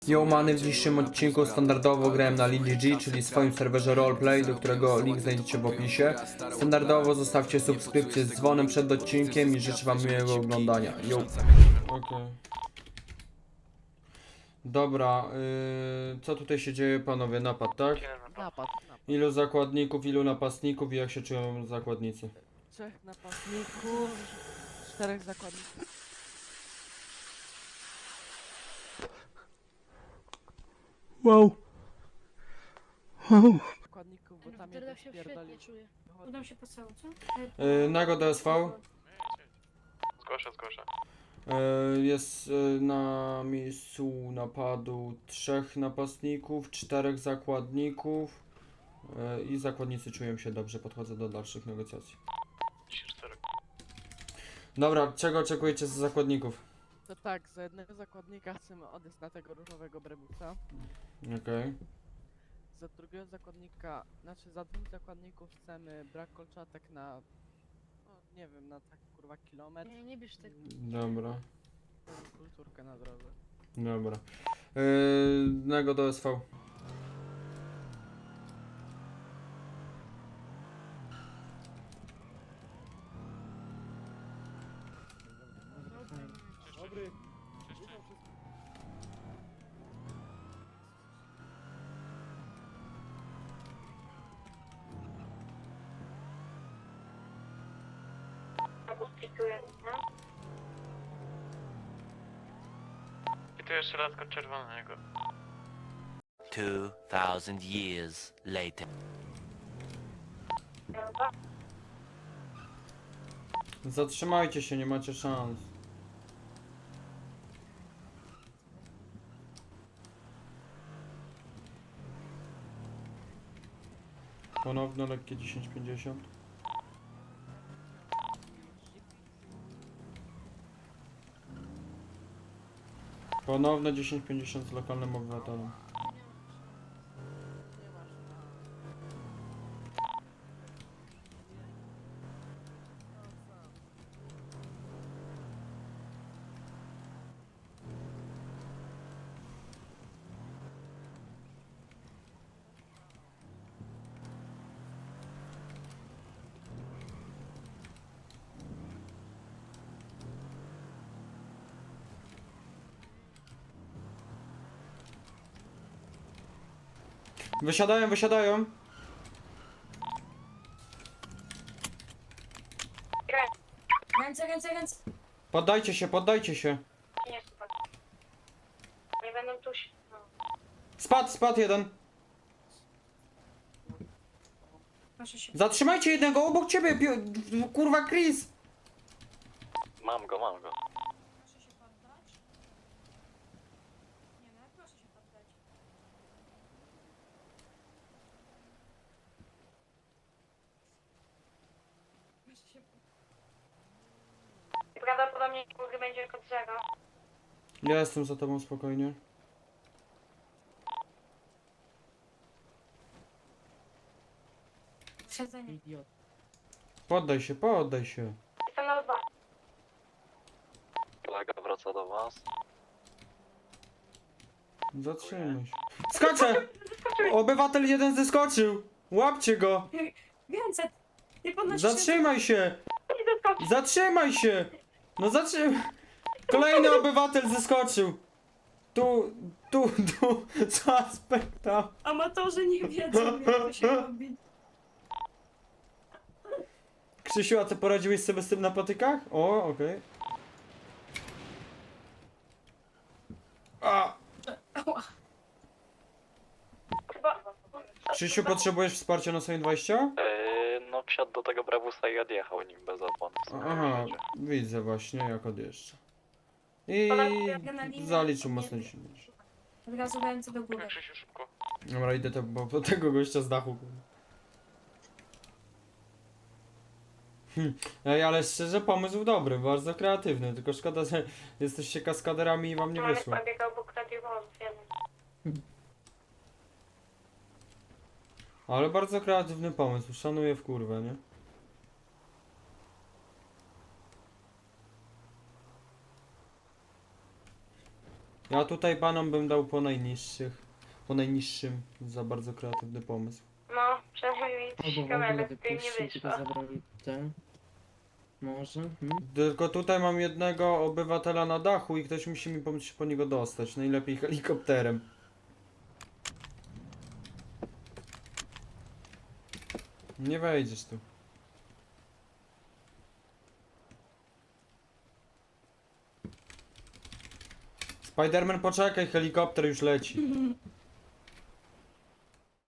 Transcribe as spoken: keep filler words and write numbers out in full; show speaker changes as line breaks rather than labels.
Yo many, w dzisiejszym odcinku standardowo grałem na Lin G G, czyli swoim serwerze roleplay, do którego link znajdziecie w opisie. Standardowo zostawcie subskrypcję z dzwonem przed odcinkiem i życzę wam miłego oglądania. Yo. Okay. Dobra, yy, co tutaj się dzieje, panowie? Napad, tak?
Napad, napad.
Ilu zakładników, ilu napastników i jak się czują zakładnicy?
Trzech napastników, czterech zakładników.
Wow. Wow.
Zakładników, bo tam
Teraz
jeden
się
spierdolił.
świetnie czuję. Udam się po całą, co?
Yy, Nago D S V.
Zgłoszę, zgłoszę.
Yy, Jest yy, na miejscu napadu trzech napastników, czterech zakładników yy, i zakładnicy czują się dobrze, podchodzę do dalszych negocjacji.
dziesięć cztery.
Dobra, czego oczekujecie z zakładników?
To tak, za jednego zakładnika chcemy odejść na tego różowego brebusa.
Okej.
Za drugiego zakładnika, znaczy za dwóch zakładników chcemy brak kolczatek na, no nie wiem, na tak kurwa kilometr.
Nie, nie bierz tego.
Dobra,
Kulturkę na drodze.
dobra. Yy, Nago do S V.
I tu jeszcze raz kod czerwonego.
Two thousand years later.
Zatrzymajcie się, nie macie szans. Ponowno lekkie dziesięć pięćdziesiąt. Ponowne dziesięć pięćdziesiąt z lokalnym obywatelem.
Nie masz na...
Wysiadają, wysiadają.
Ręce, ręce, ręce.
Poddajcie się, poddajcie się.
Nie, super. Nie będą tu się... No.
Spadł, spadł jeden.
Proszę się...
Zatrzymajcie jednego obok ciebie, pi- kurwa Chris.
Mam go, mam go.
Proszę się poddać. Nie no, proszę się poddać. Proszę się poddać. Prawdopodobnie góry będzie kod zero.
Ja jestem za tobą, spokojnie.
Siedzenie.
Idiot.
Poddaj się, poddaj się.
Jestem na dwa.
Kolega wraca do was.
Zatrzymaj się. Skacze! Obywatel jeden zeskoczył! Łapcie go!
Ręce! Nie podnosi
Zatrzymaj się!
Nie doskoczy.
Zatrzymaj się! No zatrzymaj! Kolejny obywatel zeskoczył! Tu, tu, tu, suspekt tam.
Amatorzy nie wiedzą, jak to się robi.
Krzysiu, a ty poradziłeś sobie z tym na patykach? O, okej. A!
Ała. Chyba...
Krzysiu, potrzebujesz wsparcia na swoim dwadzieścia?
Yy, no wsiadł do tego brawusa i odjechał nim bez opon.
Aha, widzę właśnie jak odjeżdża. I zaliczył mocno dziesięć.
Od razu ręce do góry.
Krzysiu, szybko.
Dobra, idę te, bo, bo tego gościa z dachu. Hm. Ej, ale szczerze pomysł dobry, bardzo kreatywny, tylko szkoda, że jesteście kaskaderami i wam nie wyszło.
Pobiegał obok radiowozów jeden.
Ale bardzo kreatywny pomysł, szanuję w kurwę, nie? Ja tutaj panom bym dał po najniższych. Po najniższym. Za bardzo kreatywny pomysł.
No, przynajmniej mi trzy
Albo w
kamery
ogóle
z tym nie
wypuścił, tylko
wyszło.
zabrali te. Może? Hmm?
Tylko tutaj mam jednego obywatela na dachu i ktoś musi mi pomóc się po niego dostać. Najlepiej helikopterem. Nie wejdziesz tu. Spiderman, poczekaj, helikopter już leci.